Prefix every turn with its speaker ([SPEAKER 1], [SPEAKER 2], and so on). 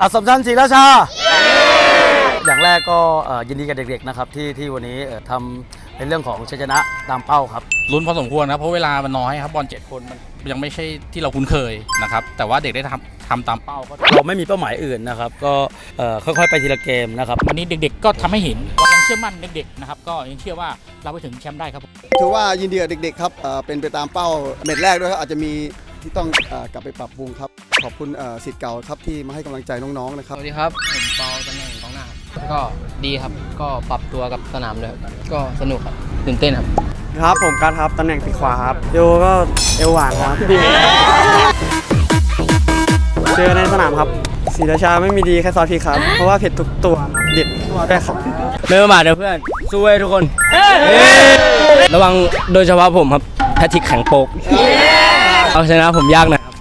[SPEAKER 1] อัสสัมชัญศรีราชาอย่างแรกก็ยินดีกับเด็กๆนะครับที่วันนี้ทำในเรื่องของชัยชนะตามเป้าครับ
[SPEAKER 2] ลุ้นพอสมควรนะเพราะเวลามันน้อยครับบอล7 คนมันยังไม่ใช่ที่เราคุ้นเคยนะครับแต่ว่าเด็กได้ทำตามเป้าก็
[SPEAKER 1] เราไม่มีเป้าหมายอื่นนะครับก็ค่อยๆไปทีละเกมนะครับ
[SPEAKER 3] วันนี้เด็กๆก็ทำให้เห็นว่ายังเชื่อมั่นเด็กๆนะครับก็ยังเชื่อว่าเราไปถึงแชมป์ได้ครับ
[SPEAKER 4] ถือว่ายินดีกับเด็กๆครับเป็นไปตามเป้าเม็ดแรกด้วยครับอาจจะมีที่ต้องกลับไปปรับปรุงครับขอบคุณศิษย์เก่าครับที่มาให้กำลังใจน้องๆนะครับ
[SPEAKER 5] สวัสดีครับผมเปาตำแหน่งกองหน้าก็ดีครับก็ปรับตัวกับสนามเลยก็สนุกครับตื่นเต้นครับ
[SPEAKER 6] ครับผมการครับตำแหน่งปีกขวาครับโยก็เอวหวานครับเจอในสนามครับศรีราชาไม่มีดีแค่ซอสพริกครับเพราะว่าเผ็ดทุกตัวเด็ดได้ครับ
[SPEAKER 7] ไม่ประมาทนะเพื่อนสู้ไว้ทุกคนระวังโดยเฉพาะผมครับแพทริกแข็งโปกเอาชนะผมยากนะครับ